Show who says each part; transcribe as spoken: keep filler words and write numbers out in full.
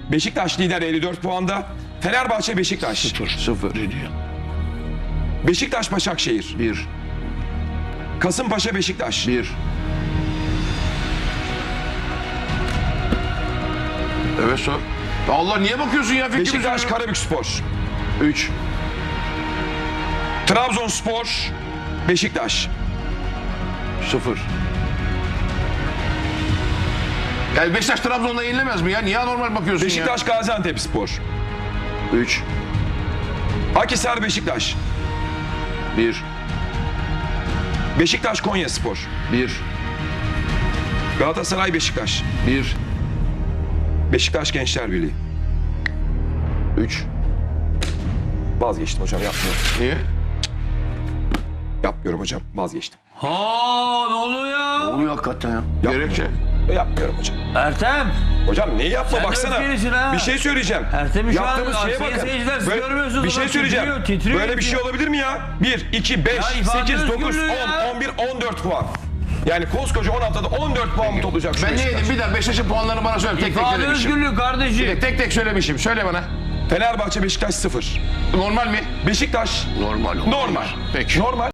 Speaker 1: Beşiktaş lider elli dört puanda. Fenerbahçe Beşiktaş.
Speaker 2: Sıfır. Sıfır. Ne diyor?
Speaker 1: Beşiktaş Başakşehir.
Speaker 2: Bir.
Speaker 1: Kasımpaşa Beşiktaş.
Speaker 2: Bir. Evet sor. Ya Allah niye bakıyorsun ya fikrimi
Speaker 1: Beşiktaş
Speaker 2: söyle.
Speaker 1: Karabükspor.
Speaker 2: Üç.
Speaker 1: Trabzonspor Beşiktaş.
Speaker 2: Sıfır. Yani Beşiktaş Trabzon'da yenilemez mi ya? Niye normal bakıyorsun
Speaker 1: Beşiktaş Gaziantepspor.
Speaker 2: ya? Üç.
Speaker 1: Akhisar Beşiktaş.
Speaker 2: Bir.
Speaker 1: Beşiktaş Konyaspor.
Speaker 2: Bir.
Speaker 1: Galatasaray Beşiktaş.
Speaker 2: Bir.
Speaker 1: Beşiktaş Gençler Birliği.
Speaker 2: Üç.
Speaker 1: Vazgeçtim hocam, yapmıyorum.
Speaker 2: Niye?
Speaker 1: Yapmıyorum hocam, vazgeçtim.
Speaker 3: Ha ne oluyor ya?
Speaker 2: Oluyor hakikaten ya. Gerekçe.
Speaker 1: Yapmıyorum hocam.
Speaker 3: Ertem.
Speaker 1: Hocam neyi yapma,
Speaker 3: Sen de
Speaker 1: baksana.
Speaker 3: öfkelisin ha.
Speaker 1: Bir şey söyleyeceğim.
Speaker 3: Ertem'i şu an
Speaker 1: Yaptığımız şeye
Speaker 3: sayın
Speaker 1: bakın.
Speaker 3: seyirciler siz
Speaker 1: Böyle-
Speaker 3: görmüyorsunuz
Speaker 1: bir şey
Speaker 3: ama
Speaker 1: söyleyeceğim.
Speaker 3: titriyor, titriyor
Speaker 1: Böyle bir şey
Speaker 3: ya.
Speaker 1: olabilir mi ya? bir, iki, beş,
Speaker 3: Ya ifade
Speaker 1: sekiz, dokuz,
Speaker 3: özgürlüğü
Speaker 1: on,
Speaker 3: ya.
Speaker 1: on bir, on dört puan. Yani koskoca on haftada on dört puan mı toplayacak şu
Speaker 2: Ben ne
Speaker 1: Beşiktaş?
Speaker 2: yedim? Bir daha Beşiktaş'ın puanlarını bana söyle. Tek tek
Speaker 3: İfade
Speaker 2: söylemişim.
Speaker 3: özgürlüğü kardeşim.
Speaker 2: Tek tek, tek söylemişim. Söyle bana.
Speaker 1: Fenerbahçe Beşiktaş sıfır.
Speaker 2: Normal mi?
Speaker 1: Beşiktaş
Speaker 2: Normal.
Speaker 1: normal.
Speaker 2: Peki.
Speaker 1: Normal.